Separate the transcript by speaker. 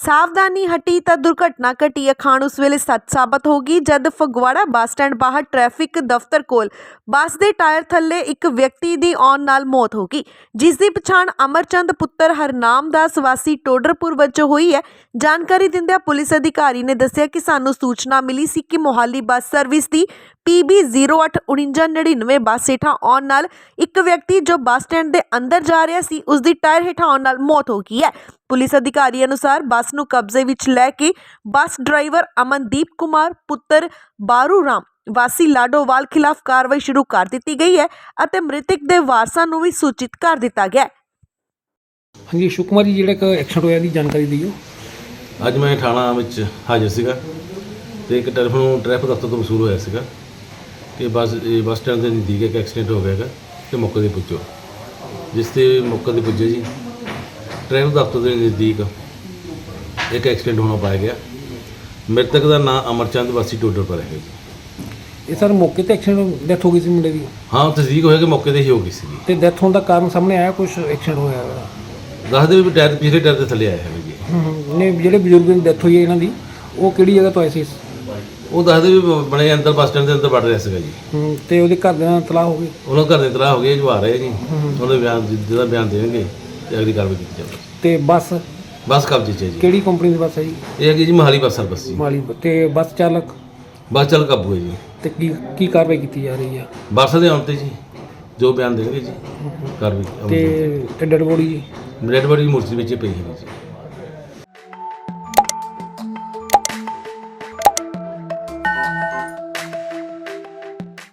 Speaker 1: ਸਾਵਧਾਨੀ ਹਟੀ ਤਾਂ ਦੁਰਘਟਨਾ ਘਟੀ। ਅਖਾਣ ਉਸ ਵੇਲੇ ਸੱਚ ਸਾਬਤ ਹੋ ਗਈ ਜਦ ਫਗਵਾੜਾ ਬੱਸ ਸਟੈਂਡ ਬਾਹਰ ਟ੍ਰੈਫਿਕ ਦਫ਼ਤਰ ਕੋਲ ਬੱਸ ਦੇ ਟਾਇਰ ਥੱਲੇ ਇੱਕ ਵਿਅਕਤੀ ਦੀ ਆਉਣ ਨਾਲ ਮੌਤ ਹੋ ਗਈ, ਜਿਸ ਦੀ ਪਛਾਣ ਅਮਰਚੰਦ ਪੁੱਤਰ ਹਰਨਾਮ ਦਾਸ ਵਾਸੀ ਟੋਡਰਪੁਰ ਵਜੋਂ ਹੋਈ ਹੈ। ਜਾਣਕਾਰੀ ਦਿੰਦਿਆਂ ਪੁਲਿਸ ਅਧਿਕਾਰੀ ਨੇ ਦੱਸਿਆ ਕਿ ਸਾਨੂੰ ਸੂਚਨਾ ਮਿਲੀ ਸੀ ਕਿ ਮੋਹਾਲੀ ਬੱਸ ਸਰਵਿਸ ਦੀ PB 084999 ਬੱਸ ਹੇਠਾਂ ਆਉਣ ਨਾਲ ਇੱਕ ਵਿਅਕਤੀ ਜੋ ਬੱਸ ਸਟੈਂਡ ਦੇ ਅੰਦਰ ਜਾ ਰਿਹਾ ਸੀ, ਉਸ ਦੀ ਟਾਇਰ ਹੇਠਾਂ ਆਉਣ ਨਾਲ ਮੌਤ ਹੋ ਗਈ ਹੈ। ਪੁਲਿਸ ਅਧਿਕਾਰੀ ਅਨੁਸਾਰ ਬੱਸ ਨੂੰ ਕਬਜ਼ੇ ਵਿੱਚ ਲੈ ਕੇ ਬੱਸ ਡਰਾਈਵਰ ਅਮਨਦੀਪ ਕੁਮਾਰ ਪੁੱਤਰ ਬਾਰੂ ਰਾਮ ਵਾਸੀ ਲਾਡੋਵਾਲ ਖਿਲਾਫ ਕਾਰਵਾਈ ਸ਼ੁਰੂ ਕਰ ਦਿੱਤੀ ਗਈ ਹੈ ਅਤੇ ਮ੍ਰਿਤਕ ਦੇ ਵਾਰਸਾਂ ਨੂੰ ਵੀ ਸੂਚਿਤ ਕਰ ਦਿੱਤਾ ਗਿਆ ਹੈ।
Speaker 2: ਹਾਂਜੀ ਅਸ਼ੋਕ ਕੁਮਾਰ ਜੀ, ਜਿਹੜਾ ਇੱਕ ਐਕਸੀਡੈਂਟ ਹੋਇਆ ਦੀ ਜਾਣਕਾਰੀ ਦਿਓ।
Speaker 3: ਅੱਜ मैं थाना ਵਿੱਚ ਹਾਜ਼ਰ ਸੀਗਾ ਤੇ ਇੱਕ ਟੈਲੀਫੋਨ ਟ੍ਰੈਫਿਕ ਦਫ਼ਤਰ ਤੋਂ ਵਸੂਲ ਹੋਇਆ ਸੀਗਾ ਕਿ ਬੱਸ ਸਟੈਂਡ ਦੇ ਨਜ਼ਦੀਕ ਇੱਕ ਐਕਸੀਡੈਂਟ ਹੋ ਗਿਆ ਹੈਗਾ ਤੇ ਮੌਕੇ 'ਤੇ ਪੁੱਜੋ। ਜਿਸ 'ਤੇ ਮੌਕੇ 'ਤੇ ਪੁੱਜੇ ਜੀ, ਟ੍ਰੈਫਿਕ ਦਫ਼ਤਰ ਦੇ ਨਜ਼ਦੀਕ ਇੱਕ ਐਕਸੀਡੈਂਟ ਹੋਣਾ ਪਾਇਆ ਗਿਆ। ਮ੍ਰਿਤਕ ਦਾ ਨਾਮ ਅਮਰਚੰਦ ਵਾਸੀ ਟੋਡਰਪੁਰ ਹੈ ਜੀ।
Speaker 2: ਇਹ ਸਰ ਮੌਕੇ ਤੇ ਐਕਸੀਡੈਂਟ ਡੈਥ ਹੋ ਗਈ ਸੀ ਮੁੰਡੇ ਦੀ?
Speaker 3: ਹਾਂ, ਤਸਦੀਕ ਹੋਇਆ ਕਿ ਮੌਕੇ 'ਤੇ ਹੀ ਹੋ ਗਈ ਸੀ।
Speaker 2: ਤੇ ਡੈਥ ਹੋਣ ਦਾ ਕਾਰਨ ਸਾਹਮਣੇ ਆਇਆ? ਕੁਝ ਐਕਸੀਡੈਂਟ ਹੋਇਆ ਹੈ?
Speaker 3: ਦੱਸਦੇ ਵੀ ਟਾਇਰ ਪਿਛਲੇ ਟਾਇਰ 'ਤੇ ਥੱਲੇ ਆਇਆ ਹੈ ਜੀ।
Speaker 2: ਨੇ ਜਿਹੜੇ ਬਜ਼ੁਰਗ ਦੀ ਡੈਥ ਹੋਈ ਹੈ ਇਹਨਾਂ ਦੀ, ਉਹ ਕਿਹੜੀ ਜਗ੍ਹਾ ਤੋਂ ਆਏ ਸੀ?
Speaker 3: ਉਹ ਦੱਸਦੇ ਵੀ ਬਣੇ ਅੰਦਰ ਬੱਸ ਸਟੈਂਡ ਦੇ ਅੰਦਰ ਵੜ ਰਿਹਾ ਸੀਗਾ ਜੀ।
Speaker 2: ਤੇ ਉਹਦੇ ਘਰ ਦੇ ਨਾਲ ਤਲਾਹ ਹੋ ਗਈ?
Speaker 3: ਉਹਨਾਂ ਘਰ ਦੇ ਤਲਾਹ ਹੋ ਗਏ, ਜੋ ਆ ਰਹੇ ਜੀ। ਉਹਦੇ ਬਿਆਨ ਜਿਹਦਾ ਬਿਆਨ ਦੇਣਗੇ ਤੇ ਅਗਲੀ ਕਾਰਵਾਈ ਕੀਤੀ ਜਾਵੇਗੀ।
Speaker 2: ਤੇ ਬੱਸ
Speaker 3: ਕਬਜ਼ੇ 'ਚ ਹੈ ਜੀ।
Speaker 2: ਕਿਹੜੀ ਕੰਪਨੀ ਦੀ ਬੱਸ ਹੈ ਜੀ?
Speaker 3: ਇਹ ਹੈਗੀ ਜੀ ਮੋਹਾਲੀ ਬੱਸ ਸਰਵਿਸ ਜੀ।
Speaker 2: ਮਾਲੀ। ਤੇ ਬੱਸ ਚਾਲਕ
Speaker 3: ਕਾਬੂ ਹੈ ਜੀ।
Speaker 2: ਤੇ ਕੀ ਕਾਰਵਾਈ ਕੀਤੀ ਜਾ ਰਹੀ ਹੈ?
Speaker 3: ਬੱਸ ਦੇ ਆਉਣ 'ਤੇ ਜੀ ਜੋ ਬਿਆਨ ਦੇਣਗੇ ਜੀ ਕਾਰਵਾਈ।
Speaker 2: ਤੇ ਡੈਡ ਬੋਡੀ ਜੀ?
Speaker 3: ਡੈਡ ਬੋਡੀ ਮੂਰਤੀ ਵਿੱਚ ਪਈ ਹੈ ਜੀ।